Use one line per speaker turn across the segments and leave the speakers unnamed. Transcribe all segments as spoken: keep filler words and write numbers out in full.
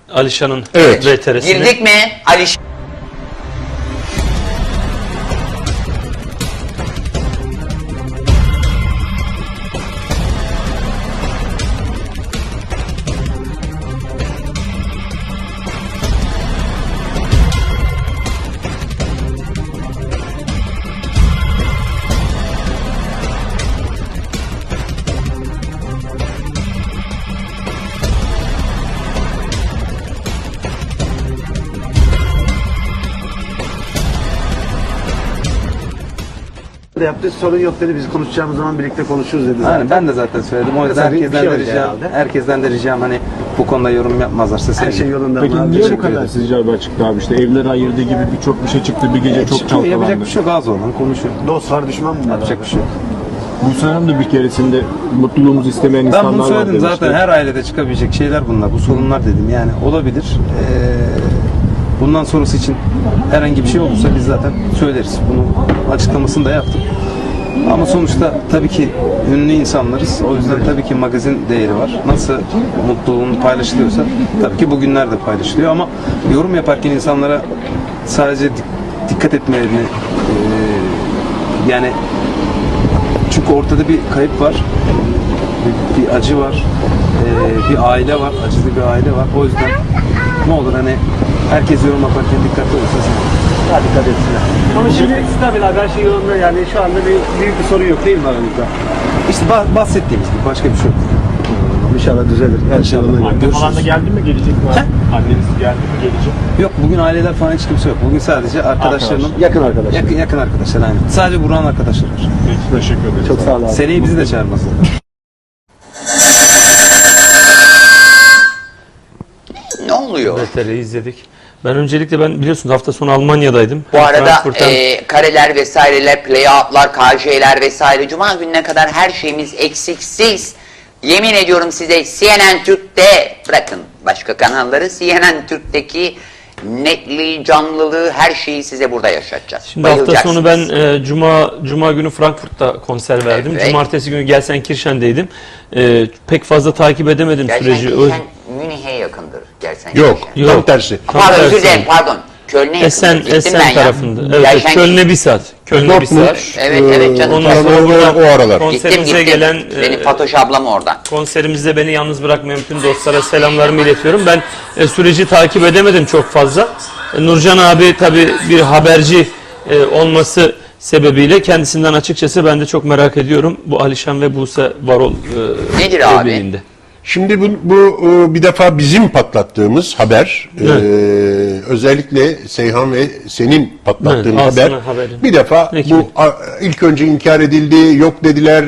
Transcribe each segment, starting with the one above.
Alişan'ın
Evet.
V T R'sine.
Girdik mi Alişan?
Yaptı, sorun yok dedi, biz konuşacağımız zaman birlikte konuşuruz dedi.
Yani ben de zaten söyledim. O yüzden
Mesela bir
herkesten
şey
de
oldu
ricam,
herhalde.
herkesten de ricam hani bu konuda yorum yapmazlarsa
Her
sevinirim.
şey yolunda.
Peki
mı abi?
niye bu
Teşekkür
kadar
ederim.
sizce haber çıktı abi? İşte evleri ayırdığı gibi birçok bir şey çıktı. Bir gece çok
Çıkıyor, yapacak
çalkalandı.
bir şey yok, az olan konuşuyor.
Dost var, düşman mı var?
Yapacak bir şey yok.
Bu Hanım da bir keresinde mutluluğumuzu istemeyen
Ben
insanlar
bunu
var
söyledim
demişti.
zaten, her ailede çıkabilecek şeyler bunlar. Bu sorunlar dedim yani olabilir. Ee, bundan sonrası için herhangi bir şey olursa biz zaten söyleriz. Bunu açıklamasını da yaptım. Ama sonuçta tabii ki ünlü insanlarız. O yüzden tabii ki magazin değeri var. Nasıl mutluluğunu paylaşılıyorsa tabii ki bugünler de paylaşılıyor. Ama yorum yaparken insanlara sadece dik- dikkat etmelerini ee, yani çünkü ortada bir kayıp var. Bir, bir acı var. ee, bir aile var. Acılı bir aile var. O yüzden ne olur hani herkes yorum yaparken dikkatli olursa sen.
Daha dikkat etsinler. Ama şimdi stabil abi, her şey yolunda, yani şu anda bir, büyük bir sorun yok değil mi aranızda?
İşte bah- bahsettiğimiz gibi başka bir şey yok.
İnşallah düzelir. Her şey yolunda.
Anne falan da geldi mi, gelecek mi? abi? Anneniz geldi mi, gelecek?
Yok, bugün aileler falan hiç kimse yok. Bugün sadece arkadaşlarının
Yakın arkadaşlar.
yakın, yakın arkadaşlar aynen. Sadece Burak'ın arkadaşları var.
Peki, teşekkür ederiz.
Çok sağ ol abi.
Seneye bizi de çağırmazlar.
Ne oluyor?
V T R'yi izledik. Ben öncelikle ben biliyorsunuz hafta sonu Almanya'daydım.
Bu arada
Frankfurt'tan-
e, kareler vesaireler, playoutlar, K J'ler vesaire Cuma gününe kadar her şeyimiz eksiksiz. Yemin ediyorum size C N N Türk'te, bırakın başka kanalları, C N N Türk'teki netliği, canlılığı, her şeyi size burada yaşatacağız.
Şimdi hafta
Bayılacaksınız.
sonu ben e, Cuma Cuma günü Frankfurt'ta konser verdim.
Evet.
Cumartesi günü Gelsenkirchen'deydim. E, pek fazla takip edemedim süreci. Ö-
Gelsenkirchen Münih'e yakındır. Gelsenkirchen.
Yok,
Yok.
tam tersi.
Tam
Pardon,
tersi.
özür dilerim, pardon. Köln'e yakındır.
Essen,
Gittim ben
Essen
ya.
tarafında. Evet, evet,
Gelsenkirchen-
Köln'e bir saat. Köln'e bir saat.
Evet, evet canım.
Ondan
Oralar,
sonra
oralar, o aralar.
Gittim
konserimize
gittim.
gelen
Benim
e,
Fatoş ablam orada.
konserimizde beni yalnız bırakmayan bütün dostlara selamlarımı iletiyorum. Ben e, süreci takip edemedim çok fazla. E, Nurcan abi tabii bir haberci e, olması sebebiyle kendisinden açıkçası ben de çok merak ediyorum. Bu Alişan ve Buse Varol e,
Nedir abi?
evliliğinde.
Şimdi bu, bu e, bir defa bizim patlattığımız haber, e, özellikle Seyhan ve senin patlattığın
Evet,
haber,
Aslı'nın haberi.
bir defa
Peki.
bu a, ilk önce inkar edildi, yok dediler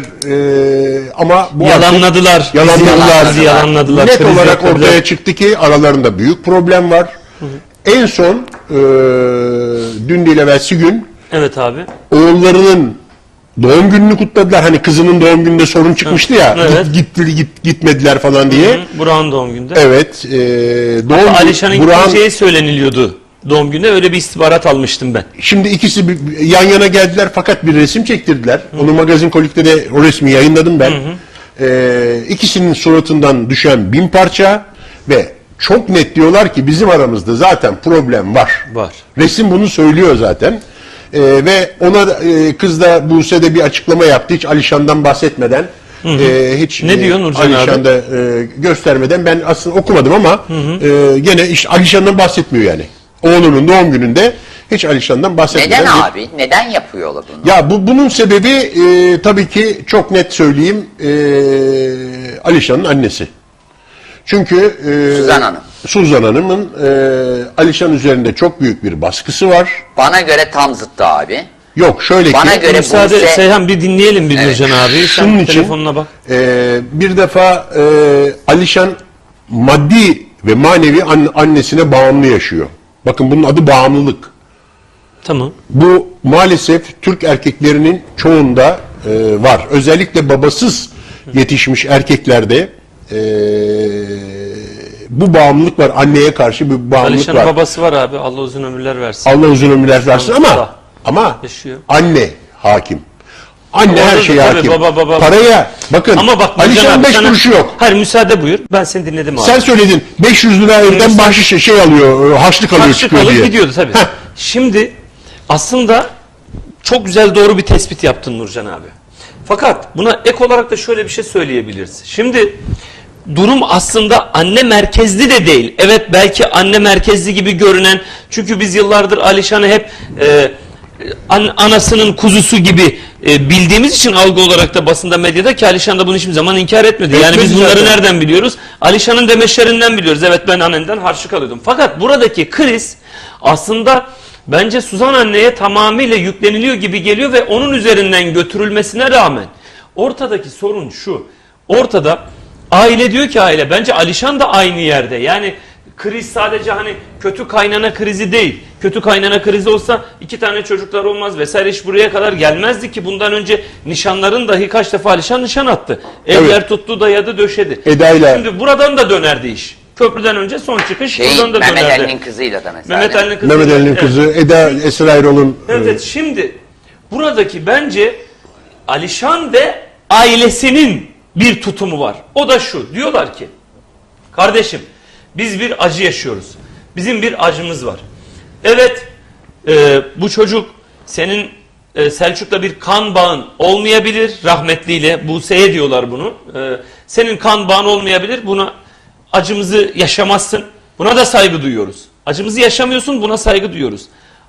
e, ama bu
Yalanladılar.
artık yalanladılar.
Bizi yalanladılar.
Net
Kriz
olarak
yaptırdılar.
ortaya çıktı ki aralarında büyük problem var. En son e, dün değil evvelsi gün
Evet abi.
oğullarının doğum gününü kutladılar. Hani kızının doğum gününde sorun çıkmıştı ya.
Evet.
Git, gitti, git, gitmediler falan diye.
Burak'ın doğum günde.
Evet. E, doğum
Alişan'ın
Burak'ın-
gideceği söyleniliyordu. Doğum günde öyle bir istihbarat almıştım ben.
Şimdi ikisi bir- yan yana geldiler fakat bir resim çektirdiler. Onu Magazin Kolik'te de o resmi yayınladım ben. E, ikisinin suratından düşen bin parça ve çok net diyorlar ki bizim aramızda zaten problem var.
Var.
Resim bunu söylüyor zaten. Ee, ve ona da, e, kız da Buse de bir açıklama yaptı hiç Alişan'dan bahsetmeden. e, hiç
Ne diyor Nurcan abi?
Alişan'da e, göstermeden, ben aslında okumadım ama e, gene işte Alişan'dan bahsetmiyor yani. Oğlunun doğum gününde hiç Alişan'dan bahsetmeden.
Neden
bir-
abi? Neden yapıyorlar bunu?
Ya bu bunun sebebi e, tabii ki çok net söyleyeyim, e, Alişan'ın annesi. Çünkü e,
Suzan Hanım.
Suzan Hanım'ın e, Alişan üzerinde çok büyük bir baskısı var.
Bana göre tam zıttı abi.
Yok şöyle
Bana
ki
göre
Müsaade
Buse-
Seyhan bir dinleyelim bir Nurcan abi. Sen
şunun için
telefonuna bak.
e, bir defa e, Alişan maddi ve manevi an- annesine bağımlı yaşıyor. Bakın bunun adı bağımlılık.
Tamam.
Bu maalesef Türk erkeklerinin çoğunda e, var. Özellikle babasız yetişmiş erkeklerde e, bu bağımlılık var. Anneye karşı bir bağımlılık
Alişan'ın
var.
babası var abi. Allah uzun ömürler versin.
Allah uzun ömürler versin ama
Sağ.
ama
Yaşıyor.
anne hakim. Anne her
Orada
şeye
tabii
hakim.
baba, baba.
Paraya bakın.
Ama bak Nurcan
Alişan'ın
abi
beş
sana-
kuruşu yok.
Hayır müsaade buyur. Ben seni dinledim abi.
Sen söyledin beş yüz lira evden
sen-
bahşiş şey alıyor, harçlık alıyor
Karşı
çıkıyor
kalıp
diye.
gidiyordu tabii.
Heh.
Şimdi aslında çok güzel doğru bir tespit yaptın Nurcan abi. Fakat buna ek olarak da şöyle bir şey söyleyebiliriz. Şimdi durum aslında anne merkezli de değil. Evet belki anne merkezli gibi görünen, çünkü biz yıllardır Alişan'ı hep e, an, anasının kuzusu gibi e, bildiğimiz için algı olarak da basında, medyada, ki Alişan da bunu hiçbir zaman inkar etmedi. Yani
Etmedi
biz bunları
zaten.
nereden biliyoruz? Alişan'ın demeçlerinden biliyoruz. Evet ben annemden harçlık alıyordum. Fakat buradaki kriz aslında bence Suzan anneye tamamıyla yükleniliyor gibi geliyor ve onun üzerinden götürülmesine rağmen ortadaki sorun şu. Ortada aile diyor ki aile, bence Alişan da aynı yerde. Yani kriz sadece hani kötü kaynana krizi değil. Kötü kaynana krizi olsa iki tane çocuklar olmaz vesaire, iş buraya kadar gelmezdi ki. Bundan önce nişanların dahi kaç defa Alişan nişan attı. Evler
Evet.
tuttu, dayadı, döşedi.
Eda'yla.
Şimdi buradan da dönerdi iş. Köprüden önce son çıkış
Şey,
buradan da
Mehmet
dönerdi.
Ali'nin kızıyla da mesela.
Mehmet Ali'nin kızı.
Mehmet Ali'nin
Evet.
kızı Eda Esra Erol'un
Evet,
e,
evet. Şimdi buradaki bence Alişan ve ailesinin bir tutumu var. O da şu. Diyorlar ki kardeşim biz bir acı yaşıyoruz. Bizim bir acımız var. Evet e, bu çocuk senin e, Selçuk'la bir kan bağın olmayabilir. Rahmetliyle Buse'ye diyorlar bunu. E, senin kan bağın olmayabilir. Buna acımızı yaşamazsın. Buna da saygı duyuyoruz. Acımızı yaşamıyorsun, buna saygı duyuyoruz.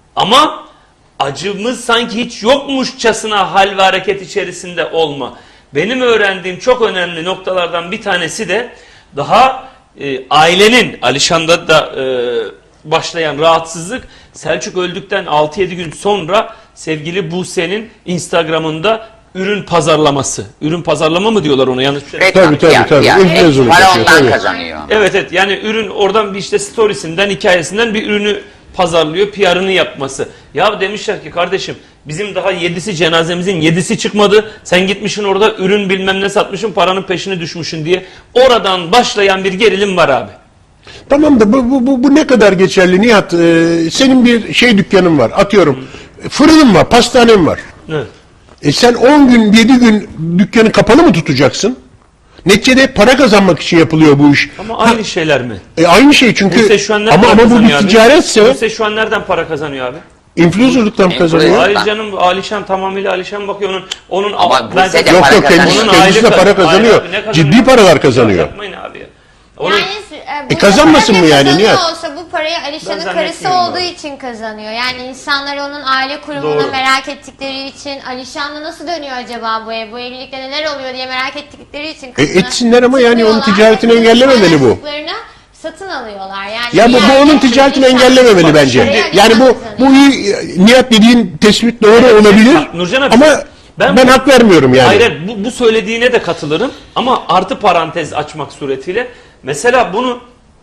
Ama acımız sanki hiç yokmuşçasına hal ve hareket içerisinde olma. Benim öğrendiğim çok önemli noktalardan bir tanesi de daha e, ailenin, Alişan'da da e, başlayan rahatsızlık, Selçuk öldükten altı yedi gün sonra sevgili Buse'nin Instagram'ında ürün pazarlaması. Ürün pazarlama mı diyorlar ona, yanlış bir şey.
Reklam,
Tabii, tabii,
fiyat,
tabii.
yani.
Influencer'lık
Para
yapıyor,
ondan
tabii.
kazanıyor.
Evet evet, yani ürün oradan bir işte storiesinden, hikayesinden bir ürünü pazarlıyor, P R'ını yapması. Ya demişler ki kardeşim bizim daha yedisi cenazemizin yedisi çıkmadı. Sen gitmişsin orada ürün bilmem ne satmışsın, paranın peşine düşmüşsün diye. Oradan başlayan bir gerilim var abi.
Tamam da bu, bu, bu, bu ne kadar geçerli Nihat? Ee, senin bir şey dükkanın var, atıyorum. Fırının var, pastanen var.
Evet.
E sen on gün, yedi gün dükkanı kapalı mı tutacaksın? Neticede para kazanmak için yapılıyor bu iş.
Ama aynı şeyler mi?
E aynı şey çünkü
Buse şu an nereden
ama ama bu
kazanıyor
bir
abi?
ticaretse
Buse şu an nereden para kazanıyor abi?
influencer'lıktan mı
Influencer.
kazanıyor?
Hayır canım, Alişan tamamıyla Alişan bakıyor onun onun
Ama
ben
Buse de
zaten-
Yok
para
yok kendisi,
kazanıyor.
Onun
kendisi de
aylık-
para kazanıyor.
Hayır abi, ne kazanıyor?
Ciddi paralar kazanıyor.
Yapmayın abi ya. Onun,
Yani e, bu
kazanmasın
para
mı
ne
yani,
kazanıyor
Nihat?
olsa bu parayı
Ben
Alişan'ın karısı
zannetmiyorum
olduğu
abi.
için kazanıyor. Yani insanlar onun aile kurumunu
Doğru.
merak ettikleri için, Alişan'la nasıl dönüyor acaba bu ev, bu evlilikte neler oluyor diye merak ettikleri için
E,
kızını
etsinler ama yani onun
tutuyorlar
ticaretini
ve kızın
engellememeli bu.
paylaştıklarını satın alıyorlar. Yani
Ya bu,
bir
bu
yerde
onun ticaretini
Alişan-
engellememeli bence.
Parayı
Yani bu
Alişan
bu
kazanıyor.
iyi, Nihat dediğin tespit doğru olabilir.
Bak, Nurcan abi,
ama
ben
ben,
bu-
hak vermiyorum yani.
Hayır, hayır, bu, bu söylediğine de katılırım ama artı parantez açmak suretiyle. Mesela bunu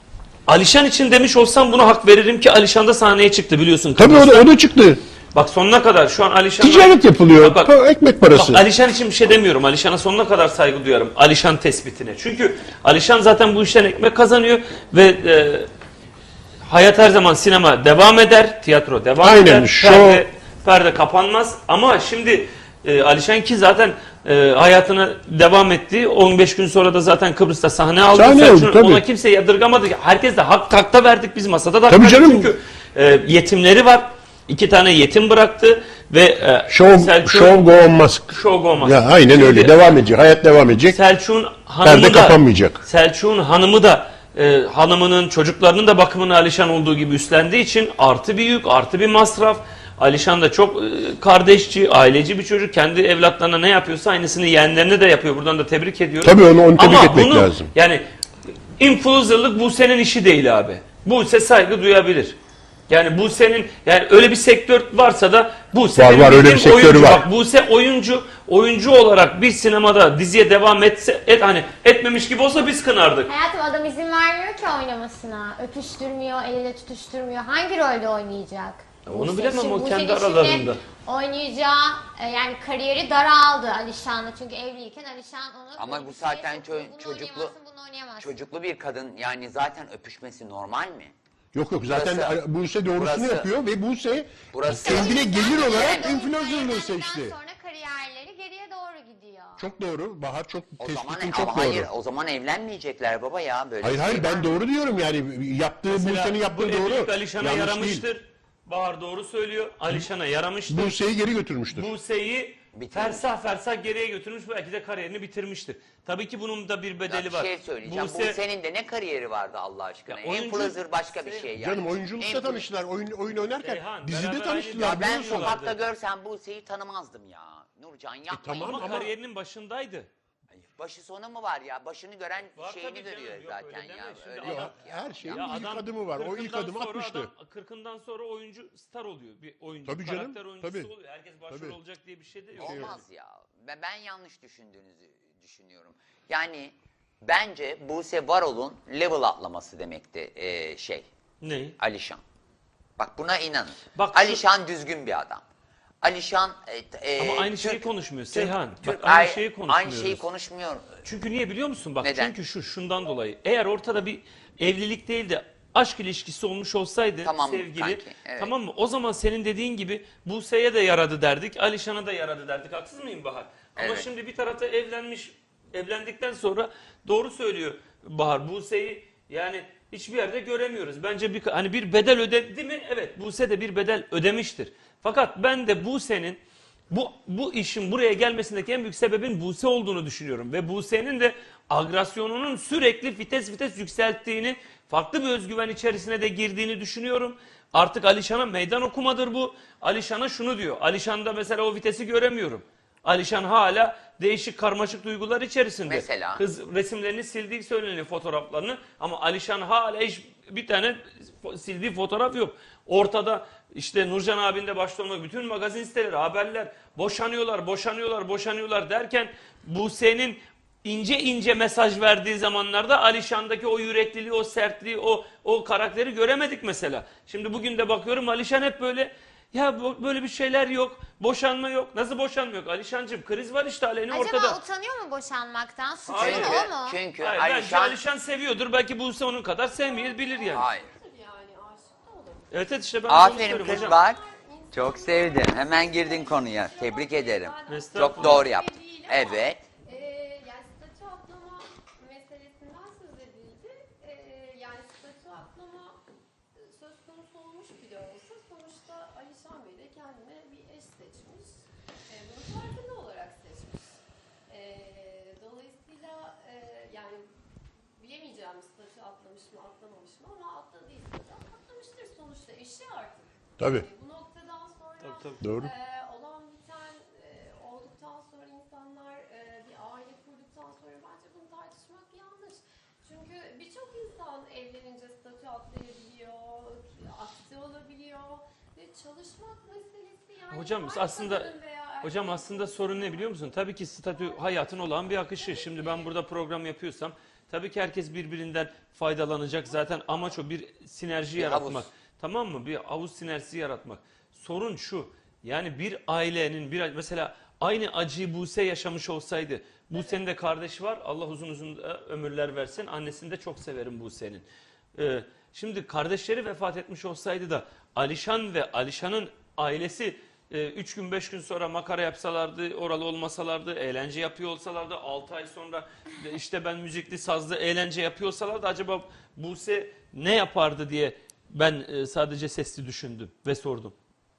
Alişan için demiş olsam buna hak veririm ki Alişan da sahneye çıktı biliyorsun.
Tabii o da,
Kıbrıs'ta.
o da çıktı.
Bak sonuna kadar şu an Alişan...
Ticaret yapılıyor.
Bak, bak,
Pa- ekmek parası.
Bak, Alişan için bir şey demiyorum. Alişan'a sonuna kadar saygı duyarım. Alişan tespitine. Çünkü Alişan zaten bu işten ekmek kazanıyor ve e, hayat her zaman sinema devam eder, tiyatro devam
Aynen,
eder.
şov-
Perde, perde kapanmaz. Ama şimdi e, Alişan ki zaten e, hayatına devam etti. on beş gün sonra da zaten Kıbrıs'ta sahne aldı.
Sahne
Selçuk'un-
aldı, tabii.
Ona kimse yadırgamadı. Herkes de hak takta verdik biz masada da. hak
Tabii
verdik.
canım.
Çünkü e, yetimleri var. İki tane yetim bıraktı ve e,
Show,
Selçuk-
show go on must.
Show go must.
Ya aynen
Şimdi
öyle. Devam edecek. Hayat devam edecek.
Selçuk'un hanımı
Perde
da
kapanmayacak.
Selçuk'un hanımı da e, hanımının çocuklarının da bakımını Alişan olduğu gibi üstlendiği için artı bir yük, artı bir masraf. Alişan da çok e, kardeşçi, aileci bir çocuk. Kendi evlatlarına ne yapıyorsa aynısını yeğenlerine de yapıyor. Buradan da tebrik ediyorum.
Tabii onu, onu tebrik
Ama
etmek
bunu,
lazım.
Yani influencerlık Buse'nin işi değil abi. Buse saygı duyabilir. Yani Buse'nin, yani öyle bir sektör varsa da Buse
Var,
benim
var, öyle
bildiğim
bir sektörü
oyuncu.
var.
Bak, Buse oyuncu, oyuncu olarak bir sinemada diziye devam etse, et, hani etmemiş gibi olsa biz kınardık.
Hayatım adam izin vermiyor ki oynamasına. Öpüştürmüyor, eliyle tutuşturmuyor. Hangi rolde oynayacak?
Onu
Buse-
bilemem,
şimdi
o
Buse'nin
kendi
şimdi
aralarında.
Oynayacağı e, yani kariyeri daraldı Alişan'la. Çünkü evliyken Alişan onu...
Ama bu
böyle
zaten
şey,
ço-
bunu
çocuklu
oynayamazsın, bunu oynayamazsın.
çocuklu bir kadın, yani zaten öpüşmesi normal mi?
Yok yok zaten
Burası-
Buse doğrusunu
burası-
yapıyor ve Buse
burası-
kendine gelir olarak
Yani
influencerlığı
ondan
seçti.
sonra kariyerleri geriye
Çok doğru. Bahar çok
O
tespitin
zaman
çok
ama
doğru.
hayır, o zaman evlenmeyecekler baba ya böyle.
Hayır
bir
hayır
şey
ben
var.
doğru diyorum yani yaptığı
Mesela
Buse'nin
bu
yaptığı
evlilik
doğru.
Alişan'a
Yanlış
yaramıştır.
değil.
Bahar doğru söylüyor. Alişan'a yaramıştır.
Buse'yi geri götürmüştür.
Buse'yi
Bitirmiş.
fersah fersah geriye götürmüş, belki de kariyerini bitirmiştir. Tabii ki bunun da bir
Ya
bedeli
bir
var.
şey söyleyeceğim.
Buse-
Bu senin de ne kariyeri vardı Allah aşkına?
Ya oyuncu-
Influencer başka bir şey yani.
Canım oyunculukta
Influ-
tanıştılar. Oyun, oyun oynarken
Seyhan,
dizide
beraber
tanıştılar.
aynı-
Ya ben
biliyorsun.
sokakta görsem Buse'yi tanımazdım ya. Nurcan yapma.
tamam
Ama,
ama-
kariyerinin başındaydı.
Başı sonu mu var ya? Başını gören
Var
şeyini
tabii canım,
görüyor
yok
zaten
öyle
ya.
deme. Şimdi
Öyle
adam-
yok ya.
her şeyin
Ya
ilk
adam
adımı var. O ilk
kırkından
adımı
sonra
atmıştı.
adam kırkından sonra oyuncu star oluyor. Bir oyuncu,
Tabii canım,
karakter oyuncusu
tabii.
oluyor. Herkes başrol
Tabii.
olacak diye bir şey de yok.
Olmaz ya. Ben, ben yanlış düşündüğünüzü düşünüyorum. Yani bence Buse Varol'un level atlaması demekti e, şey.
Ne?
Alişan. Bak buna inanın.
Bak şu-
Alişan düzgün bir adam. Alişan e, e,
Ama aynı
Türk-
şeyi konuşmuyor
Türk-
Seyhan.
Türk-
Bak aynı
ay-
şeyi
Aynı
konuşmuyoruz.
şeyi konuşmuyor.
Çünkü niye biliyor musun? Bak
Neden?
çünkü şu şundan dolayı. Eğer ortada bir evlilik değil de aşk ilişkisi olmuş olsaydı
Tamam
sevgili,
kanki, evet.
tamam mı? O zaman senin dediğin gibi Buse'ye de yaradı derdik, Alişan'a da yaradı derdik. Haksız mıyım Bahar? Ama
Evet.
şimdi bir tarafta evlenmiş, evlendikten sonra doğru söylüyor Bahar. Buse'yi yani hiçbir yerde göremiyoruz. Bence bir hani bir bedel ödedi mi? Evet, Buse de bir bedel ödemiştir. Fakat ben de Buse'nin bu bu işin buraya gelmesindeki en büyük sebebin Buse olduğunu düşünüyorum. Ve Buse'nin de agresyonunun sürekli vites vites yükselttiğini, farklı bir özgüven içerisine de girdiğini düşünüyorum. Artık Alişan'a meydan okumadır bu. Alişan'a şunu diyor. Alişan'da mesela o vitesi göremiyorum. Alişan hala değişik karmaşık duygular içerisinde.
Mesela?
Kız resimlerini sildiği söyleniyor, fotoğraflarını. Ama Alişan hala hiç bir tane fo- sildiği fotoğraf yok. Ortada işte Nurcan abinin de başta olmak bütün magazin siteleri, haberler boşanıyorlar, boşanıyorlar, boşanıyorlar derken Buse'nin ince ince mesaj verdiği zamanlarda Alişan'daki o yürekliliği, o sertliği, o o karakteri göremedik mesela. Şimdi bugün de bakıyorum Alişan hep böyle ya bu- böyle bir şeyler yok, boşanma yok. Nasıl boşanma yok? Alişancığım kriz var işte aleni
Acaba
ortada.
utanıyor mu boşanmaktan? Suçlu
Hayır.
mu
Çünkü,
o mu?
çünkü
Hayır, bence
Alişan...
Alişan seviyordur. Belki Buse onun kadar sevmeyebilir yani.
Hayır.
Evet evet işte ben de onu
Aferin
söylüyorum
kız
hocam.
bak. Çok sevdim. Hemen girdin konuya. Tebrik ederim.
Estağfurullah.
Çok doğru yaptın. Evet.
Ee, yani statü atlama meselesinden söz edildi. Ee, yani statü atlama e, söz konusu olmuş bile olsa sonuçta Alişan Bey de kendine bir eş seçmiş. Ee, bunu farkında olarak seçmiş. Ee, dolayısıyla e, yani bilemeyeceğim statü atlamış mı atlamamış mı ama atladıysa da atlamıştır sonuçta eşi artık.
Tabii.
Ee, bu noktadan sonra
Tabii, tabii.
Doğru.
e, olan biten e, olduktan sonra insanlar e, bir aile kurduktan sonra bence bunu tartışmak yanlış. Çünkü birçok insan evlenince statü atlayabiliyor, aksi olabiliyor ve çalışmak meselesi yani
Hocam
her
aslında
kadının veya
hocam
erkeğin
aslında sorun ne biliyor musun? Tabii ki statü hayatın olan bir akışı. Şimdi ben burada program yapıyorsam tabii ki herkes birbirinden faydalanacak. Zaten amaç o bir sinerji
Bir
yaratmak.
havuz.
Tamam mı? Bir havuz sinerjisi yaratmak. Sorun şu. Yani bir ailenin bir mesela aynı acıyı Buse yaşamış olsaydı. Buse'nin de kardeşi var. Allah uzun uzun da ömürler versin. Annesini de çok severim Buse'nin. Ee, şimdi kardeşleri vefat etmiş olsaydı da Alişan ve Alişan'ın ailesi e, üç gün beş gün sonra makara yapsalardı, oralı olmasalardı, eğlence yapıyor olsalardı, altı ay sonra de işte ben müzikli sazlı eğlence yapıyor olsalardı acaba Buse ne yapardı diye ben e, sadece sesli düşündüm ve sordum.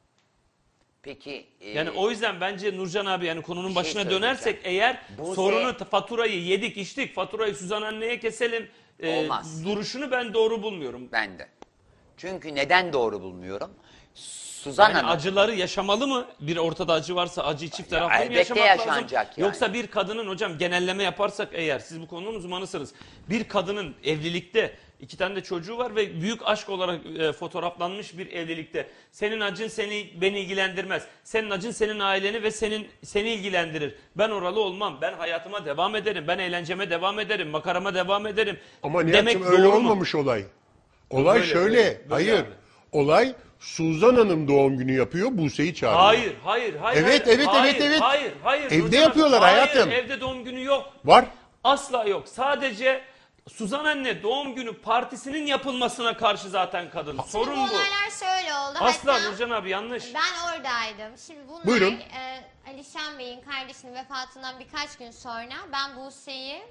Peki. e,
Yani o yüzden bence Nurcan abi yani konunun
şey
başına
söyleyeceğim.
dönersek eğer
Buse-
sorunu faturayı yedik içtik faturayı Suzan anneye keselim e,
Olmaz.
duruşunu ben doğru bulmuyorum.
Ben de. Çünkü neden doğru bulmuyorum? Suzan
Yani
Hanım.
acıları yaşamalı mı? Bir ortada acı varsa acıyı çift
Ya
taraflı mı
elbette
yaşamak lazım?
yaşanacak yani.
Yoksa bir kadının hocam genelleme yaparsak eğer siz bu konunun uzmanısınız. Bir kadının evlilikte iki tane de çocuğu var ve büyük aşk olarak e, fotoğraflanmış bir evlilikte. Senin acın seni beni ilgilendirmez. Senin acın senin aileni ve senin seni ilgilendirir. Ben oralı olmam. Ben hayatıma devam ederim. Ben eğlenceme devam ederim. Makarama devam ederim.
Ama
Demek
Nihat'cığım öyle
doğru mu?
olmamış olay. Olay
Böyle,
şöyle.
böyle, böyle
hayır.
abi.
Olay Suzan Hanım doğum günü yapıyor. Buse'yi çağırıyor.
Hayır, hayır, hayır.
Evet,
hayır,
evet,
hayır,
evet, evet.
Hayır, hayır.
Evde
Nurcan
yapıyorlar
Hanım,
hayatım.
Hayır, evde doğum günü yok.
Var.
Asla yok. Sadece Suzan anne doğum günü partisinin yapılmasına karşı zaten kadın. Sorun
Bu
bu.
olaylar şöyle oldu.
Asla
Hatta
Nurcan abi yanlış.
ben oradaydım. Şimdi bunlar
Buyurun.
e, Alişan Bey'in kardeşinin vefatından birkaç gün sonra ben Buse'yi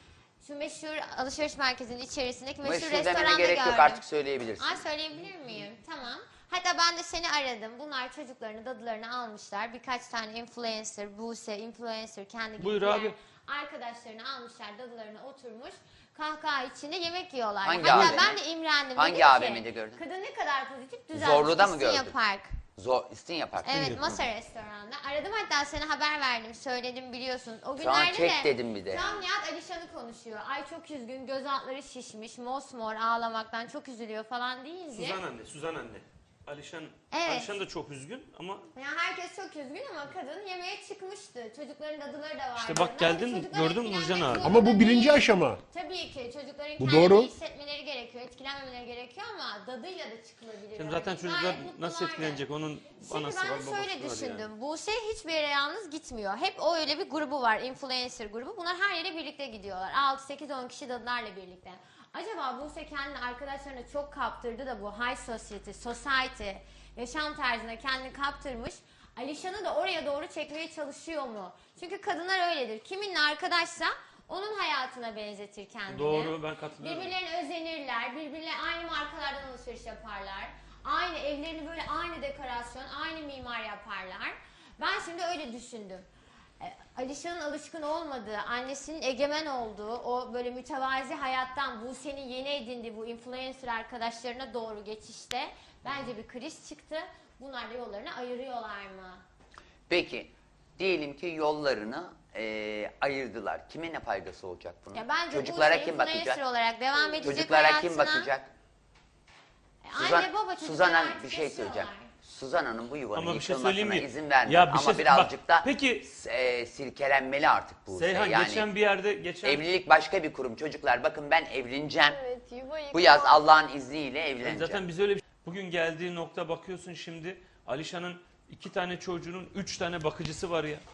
şu meşhur alışveriş merkezinin içerisindeki meşhur,
Meşhur demene
restoranda
gerek
gördüm.
yok, artık söyleyebilirsin.
Aa, söyleyebilir miyim? Tamam. Hatta ben de seni aradım. Bunlar çocuklarını, dadılarını almışlar. Birkaç tane influencer, Buse, influencer, kendi
Buyur
gibi
abi.
arkadaşlarını almışlar, dadılarına oturmuş. Kahkaha içinde yemek yiyorlar.
Hangi
Hatta
A V M?
ben de imrendim.
Hangi
Dedim ki,
A V M'de gördün?
Kadın ne kadar pozitif, düzenli.
Zorlu'da mı
İstinye
gördün?
Park.
Zor, İstinye Park.
Evet, Masa Restoran'da. Aradım, hatta sana haber verdim, söyledim biliyorsun. O
Şu an
günlerde
çek
de
dedim bir de.
şu an Nihat Alişan'ı konuşuyor. Ay çok üzgün, göz altları şişmiş, mosmor ağlamaktan çok üzülüyor falan deyince.
Suzan anne, Suzan anne. Alişan,
Evet.
Alişan da çok üzgün ama
Ya herkes çok üzgün ama kadın yemeğe çıkmıştı. Çocukların dadıları da vardı.
İşte bak
Ben de
geldin,
çocuklar
gördün mü
etkilenmek
Nurcan abi?
zorunda
Ama bu birinci
değil.
aşama.
Tabii ki çocukların
Bu
kendini
doğru.
hissetmeleri gerekiyor, etkilenmemeleri gerekiyor ama dadıyla da çıkılabilir.
şimdi zaten
örneğin.
çocuklar
Gayet mutlulardı.
nasıl etkilenecek onun
Şimdi
anası
ben
var,
de
babası
şöyle
var
düşündüm.
yani.
Buse hiçbir yere yalnız gitmiyor. Hep o öyle bir grubu var. Influencer grubu. Bunlar her yere birlikte gidiyorlar. altı sekiz on kişi dadılarla birlikte. Acaba Buse kendini arkadaşlarına çok kaptırdı da bu high society, society yaşam tarzına kendini kaptırmış. Alişan'ı da oraya doğru çekmeye çalışıyor mu? Çünkü kadınlar öyledir. Kiminle arkadaşsa onun hayatına benzetir kendini.
Doğru, ben katılıyorum.
Birbirlerine özenirler. Birbirine aynı markalardan alışveriş yaparlar. Aynı evlerini böyle aynı dekorasyon, aynı mimar yaparlar. Ben şimdi öyle düşündüm. E, Alişan'ın alışkın olmadığı, annesinin egemen olduğu, o böyle mütevazi hayattan Buse'nin yeni edindiği bu influencer arkadaşlarına doğru geçişte bence bir kriz çıktı. Bunlar da yollarını ayırıyorlar mı?
Peki, diyelim ki yollarını eee, ayırdılar. Kime ne faydası olacak bunun?
Ya bence
Çocuklara
Buse
kim
influencer
bakacak?
olarak devam edecek
Çocuklara kim
hayatına.
bakacak?
E,
Suzan,
Anne baba çocuklar
Suzan Hanım
artık
bir şey
yaşıyorlar.
söyleyeceğim. Suzan Hanım bu yuvanın
Ama bir şey
yıkılmasına
söyleyeyim mi?
izin vermiyor.
Ya bir
Ama
şey-
birazcık
bak,
da
peki-
e, silkelenmeli artık bu.
Seyhan
yani
geçen bir yerde geçen
evlilik başka bir kurum. Çocuklar bakın ben evleneceğim.
Evet, yuva
Bu yaz
yıkma.
Allah'ın izniyle evleneceğim.
zaten biz öyle bir bugün geldiği nokta bakıyorsun şimdi Alişan'ın iki tane çocuğunun üç tane bakıcısı var ya.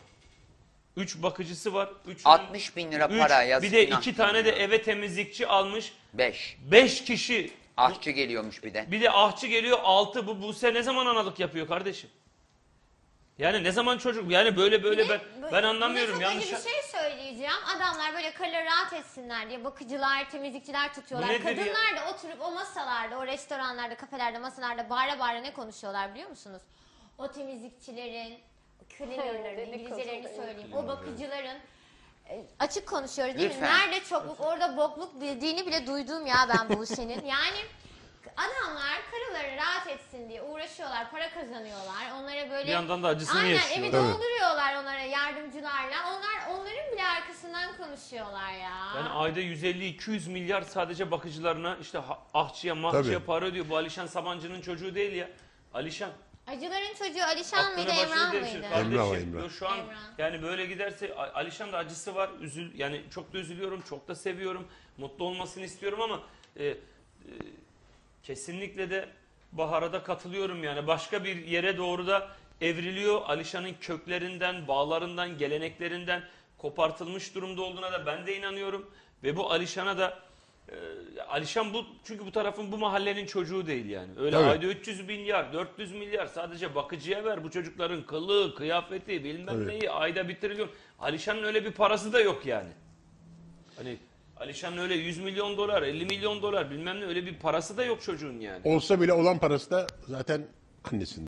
Üç bakıcısı var. Üçünün-
altmış bin lira
üç,
para yazık.
bir de
günah.
iki tane de eve temizlikçi almış.
Beş.
Beş kişi.
Ahçı geliyormuş bir de.
Bir de ahçı geliyor altı. Bu Buse ne zaman analık yapıyor kardeşim? Yani ne zaman çocuk? Yani böyle böyle
Bir de
ben
bu-
ben anlamıyorum.
Bir de çok
Yanlış.
acı bir şey söyleyeceğim. Adamlar böyle kariyer rahat etsinler diye bakıcılar, temizlikçiler tutuyorlar.
Bu nedir ya?
Kadınlar da oturup o masalarda, o restoranlarda, kafelerde, masalarda bağıra bağıra ne konuşuyorlar biliyor musunuz? O temizlikçilerin, cleanerların,
Dedikodu
İngilizcelerini
oluyor.
söyleyeyim. O bakıcıların e, açık konuşuyoruz değil mi?
Lütfen.
Nerede çokluk, orada bokluk dediğini bile duydum ya ben bu senin. Yani adamlar karıları rahat etsin diye uğraşıyorlar, para kazanıyorlar. Onlara böyle
Bir yandan da acısını
aynen,
yaşıyor.
evi
Evet.
dolduruyorlar onlara yardımcılarla. Onlar onların bile arkasından konuşuyorlar ya.
Yani ayda yüz elli iki yüz milyar sadece bakıcılarına işte ha- ahçıya mahçıya
Tabii.
para ödüyor. Bu Alişan Sabancı'nın çocuğu değil ya. Alişan.
Acıların çocuğu Alişan
Aklını
mıydı,
başına
Emrah
devşir
mıydı?
kardeşim.
Emrah o, Emrah.
Yo, Şu an
Emrah.
yani böyle giderse A- Alişan da acısı var. Üzül yani çok da üzülüyorum, çok da seviyorum. Mutlu olmasını istiyorum ama e, e, kesinlikle de Bahar'a da katılıyorum yani. Başka bir yere doğru da evriliyor. Alişan'ın köklerinden, bağlarından, geleneklerinden kopartılmış durumda olduğuna da ben de inanıyorum. Ve bu Alişan'a da e, Alişan bu çünkü bu tarafın bu mahallenin çocuğu değil yani. Öyle
Tabii.
ayda üç yüz milyar, dört yüz milyar sadece bakıcıya ver bu çocukların kılığı, kıyafeti, bilmem
Tabii.
neyi ayda bitiriliyor. Alişan'ın öyle bir parası da yok yani. Hani Alişan'ın öyle yüz milyon dolar, elli milyon dolar bilmem ne öyle bir parası da yok çocuğun yani.
Olsa bile olan parası da zaten annesinin.